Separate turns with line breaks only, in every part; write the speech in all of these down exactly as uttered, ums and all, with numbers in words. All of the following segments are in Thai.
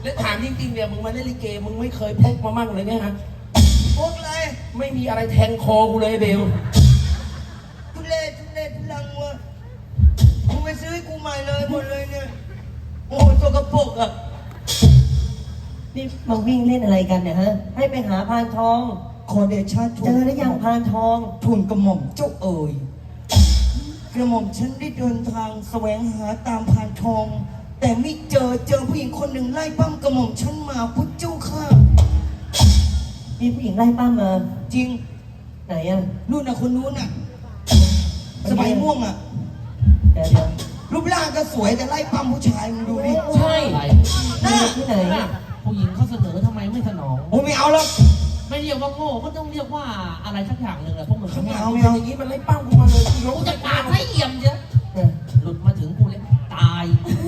แล้วถามจริงๆเนี่ยมึงมาเล่นลิเกมึงไม่เคยพกมามั่งเลยไงฮะ
พกเลย
ไม่มีอะไรแทงคอกูเลยเบล
ทุเรศทุเรศทุลังวะกูไปซื้อกูใหม่เลยหมดเลยเนี่ยโอ้ตัวกระปุกอ่ะ
นี่มาวิ่งเล่นอะไรกันเนี่ยฮะให้ไปหาพานทอง
ขอเดชะทูล
เจอแล้วยังพานทอง
ทูลกระหม่อมเจ้าเอ๋ยกระหม่อมฉันได้เดินทางแสวงหาตามพานทองแต่ไม่เจอเจอผู้หญิงคนหนึ่งไล่ปั้มกระหม่อมฉันมาพุทธเจ้าค่ะ
มีผู้หญิงไล่ป้ามา
จริง
ไหนอ่ะ
นู่นน่ะคนนู้นน่ะสบายม่วงอ่ะ
เดี๋ยวเดี๋ยว
รูปร่างก็สวยแต่ไล่ปั้มผู้ชายมึงดูดิ
ใช่
น่าที่ไหน
ผู้หญิงเขาเสนอทำไมไม่สนอง
โอ้ไม่เอาหรอก
ไม่เรียกว่าโง่ก็ต้องเรียกว่าอะไรสักอย่างหนึ่งแหละพวกมึง
ไม่เอาไม่เอา
อย่างนี้มันไล่ปั้มกูมาเลยกูจะปาดให้เอี่ยมเยอะหลุดมาถึงกูเลยตาย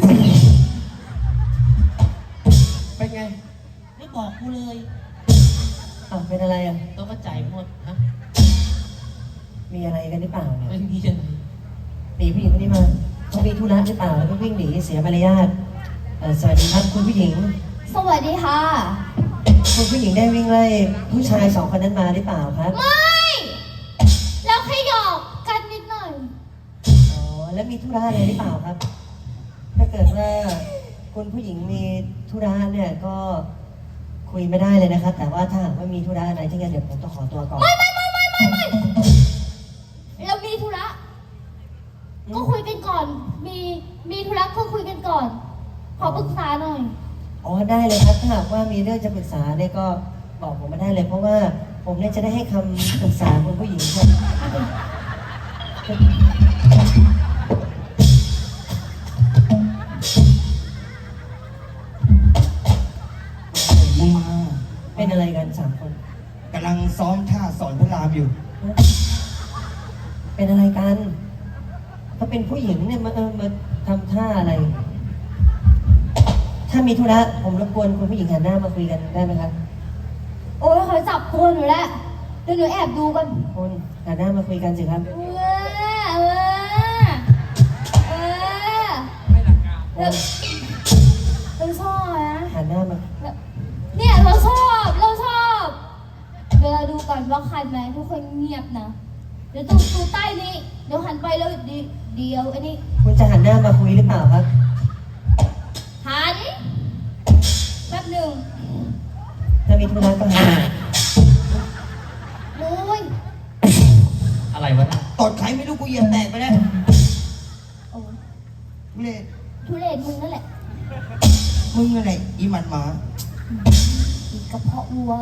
เป็นไงไม่บอกกูเลย
อ้าวเป็นอะไรอ่ะ
ต้องกระจายหมดฮะ
มีอะไรกันหรือเปล่าเนี่ย
ไม่มีจะ
หนีผู้หญิงคนนี้มาเขามีธุระหรือเปล่าแล้วก็วิ่งหนีเสียมารยาทสวัสดีครับคุณผู้หญิง
สวัสดีค่ะ
คุณผู้หญิงได้วิ่งไล่ผู้ชายสองคนนั้นมาหรือเปล่าครับ
ไม่แล้วแค่หยอกกันนิดหน่อย
อ๋อแล้วมีธุระอะไรหรือเปล่าครับถ้าเกิดว่าคุณผู้หญิงมีธุระเนี่ยก็คุยไม่ได้เลยนะครับแต่ว่าถ้าหากว่ามีธุระอะไรที่งั้นเดี๋ยวผมต้องขอตัวก่อน
ไม่ไม่ไม่ไม่ไม่ไม่เรามีธุระก็คุยกันก่อนมีมีธุระก็คุยกันก่อนขอปรึกษาหน่อย
อ๋อได้เลยครับถ้าหากว่ามีเรื่องจะปรึกษาเนี่ยก็บอกผมมาได้เลยเพราะว่าผมเนี่ยจะได้ให้คำปรึกษาคุณผู้หญิงครับ
มา
เป็นอะไรกันสามคน
กำลังซ้อมท่าสอนพระรามอยู่
เป็นอะไรกันเขาเป็นผู้หญิงเนี่ยมาเออมาทำท่าอะไรถ้ามีธุระผมรบกวนคุณผู้หญิงหันหน้ามาคุยกันได้ไหมครับ
โอ้ยเขาจับตัวหนูแล้วเดี๋ยวหนูแอบดูกัน
คุณหันหน้ามาคุยกันสิครับ
เออเออเออไม่หลักการเราชอบนะ
หันหน้ามา
เนี่ยเราชอบเราชอบเดี๋ยวเราดูก่อนว่าคันไหมทุกคนเงียบนะเดี๋ยวตูตูใต้นี้เดี๋ยวหันไปแล้วดีเดียวอันนี้
คุณจะหันหน้ามาคุยหรือเปล่าครับ
หันแป๊บหนึ่ง
ถ้ามีธุระก็หัน
โอ้ย
อะไรวะเนี่ย
ตอดไข่ไม่รู้กูเหยียบแตกไปแล้ว
โอ้
ทุเรศ
ทุเรศมึงนั่นแหละ
มึงอะไรอีมันหมา
อีกระเพาะวัว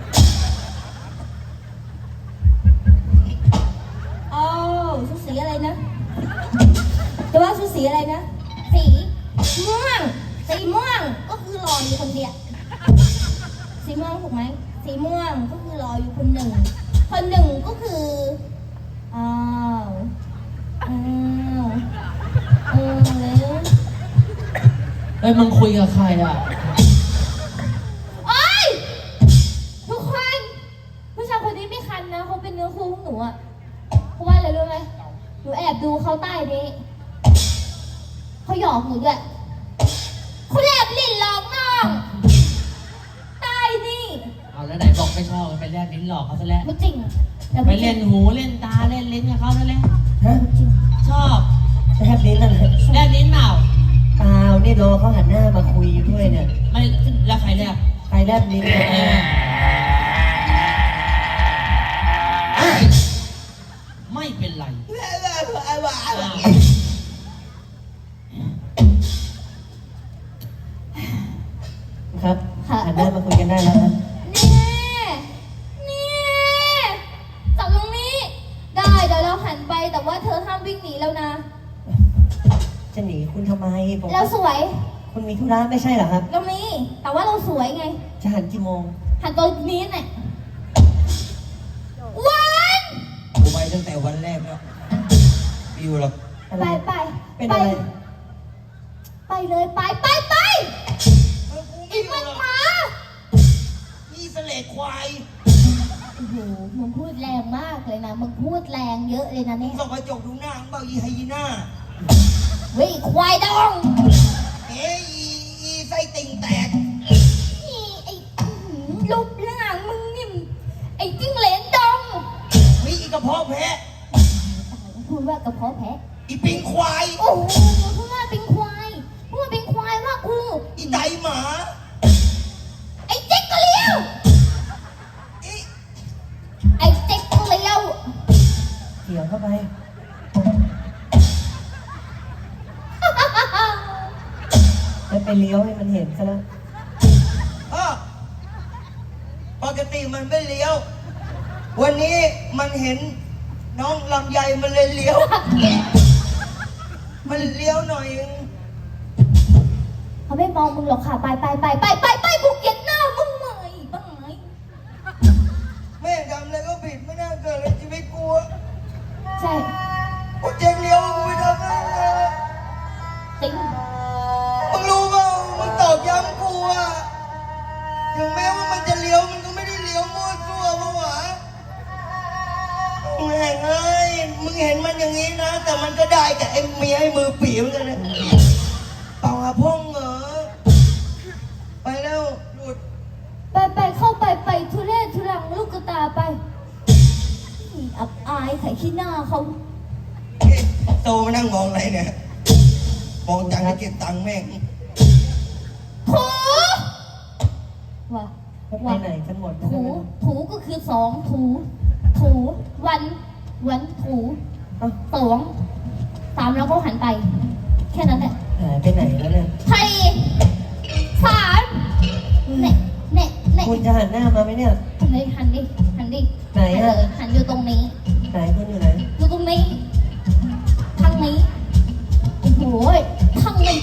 อ้าวชุดสีอะไรนะจะว่าชุดสีอะไรนะสีม่วงสีม่วงก็คือรออยู่คนเดียวสีม่วงถูกไหมสีม่วงก็คือรออยู่คนหนึ่งคนหนึ่งก็คืออ้าวอ้าวเออแล้ว
เอ้ยมึงคุยกับใครอ่ะ
โอ๊ยทุกคนผู้ชายคนนี้ไม่คันนะเขาเป็นเนื้อคู่ของหนูอ่ะเพราะว่าอะไรรู้ไหมหนูแอบดูเขาใต้นี้เขาหยอกหนูด้วยเขาแลบลิ้นหลอกน้องใต้นี่
เอาแล้วไหนบอกไม่ชอบไปแลบลิ้นหลอกเขาซะแล้ว
ไม่จริง
ไปเล่นหูเล่นตาเล่นลิ้นกับเขาซะแล้ว
ฮะ
ชอบ
แลบลิ้นอะไร
แลบลิ้นเปล่า
เปล่านี่รอเขาหันหน้ามาคุยด้วยเนี่ย
ไม่แล้วใครแลบ
ใครแลบลิ้น
ไม่เป็นไร
ครับหันหน้ามาคุยกันได้แล้วครับ
นี่นี่จับตรงนี้ได้เดี๋ยวเราหันไปแต่ว่าเธอห้ามวิ่งหนีแล้วนะ
จะหนีคุณทำไมผม
เราสวย
คุณมีธุระไม่ใช่เหรอครับ
เรามีแต่ว่าเราสวยไง
จะหันกี่โมง
หันตอนนี้เนี่ยวัน
กูไปตั้งแต่วันแรกแล้วอยู่หรอก
ไปไป
เป็นอะไร
ไปเลยไปไปไปอีมันหมา
อีเสลดควาย
โอ้โหมึงพูดแรงมากเลยนะมึงพูดแรงเยอะเลยนะเนี่ย
ส่องกระจกดูหน้ามึงเปล่าอีไฮยีน่า
เฮ้ยควายดอง
เอ้ยอีไส้ติ่งแตกหมา
ไอ้เจ๊กก็เลี้ยว
อี
ไอ้เจ๊กก็เลี้ยว
เกี่ยวเข้าไปแล้วไปเลี้ยวให้มันเห็นซะแล้ว
อ้อปกติมันไม่เลี้ยว วันนี้มันเห็นน้องลำไยมันเลยเลี้ยว มันเลี้ยวหน่อยนึง
เขาไม่มองมึงหรอกค่ะ ไปไปไปไปไปไปกูเกลียดหน้ามึงไหมบ้างไหม
แม่งทำอะไรก็ผิดไม่น่าเกิดเลยชีวิตกูอะ
ใช่
กูเจ๊งเลี้ยวกูไม่ทำอะไรเลย
ติ๊ง
มึงรู้เปล่ามึงตอกย้ำกูอะถึงแม้ว่ามันจะเลี้ยวมันก็ไม่ได้เลี้ยวมั่วซั่วปะวะแม่งเอ้ยมึงเห็นมันอย่างนี้นะ แต่มันก็ได้กับไอ้เมียไอ้มือปีเหมือนกันนะเปล่าอะพ่องเหรอไปแล้วหลุด
ไปไปเข้าไปไปทุเรศทุรังลูกกระตาไปนี่อับอายไข่ขี้หน้าเขา
เอ๊ะโตมานั่งมองอะไรเนี่ย มองจังให้เก็บตังค์แม่ง
ถูว่ะ
แล้วไป
ว่ะ
ไหนกันหมดนะ
ถูถูก็คือสองถูถูวันวันถู
เอ้า
สองสามแล้วก็หันไป แค่นั้นแหละ
หายไปไหนแล้วเนี่ย
สี่สามเน่เน่เน่
คุณจะหันหน้ามาไหมเนี่ย
หันดิหันดิหันดิ
ไหนอะ
เลยหันอยู่ตรงนี้
ไหนคุณอยู่ไหน
อยู่ตรงนี้ทางนี้โอ้โหทางนี้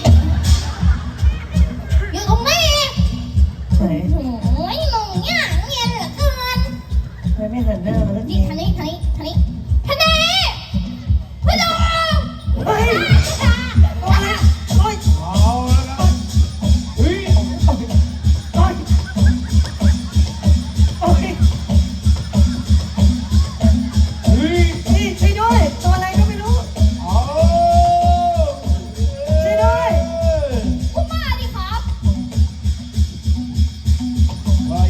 อยู่ตรงนี้
ไหน
โอ้โหหนุ่มเนี่ยเงียนเหลือเกิน
ทำไมไม่หันหน้ามาสักที
นี่ทางนี้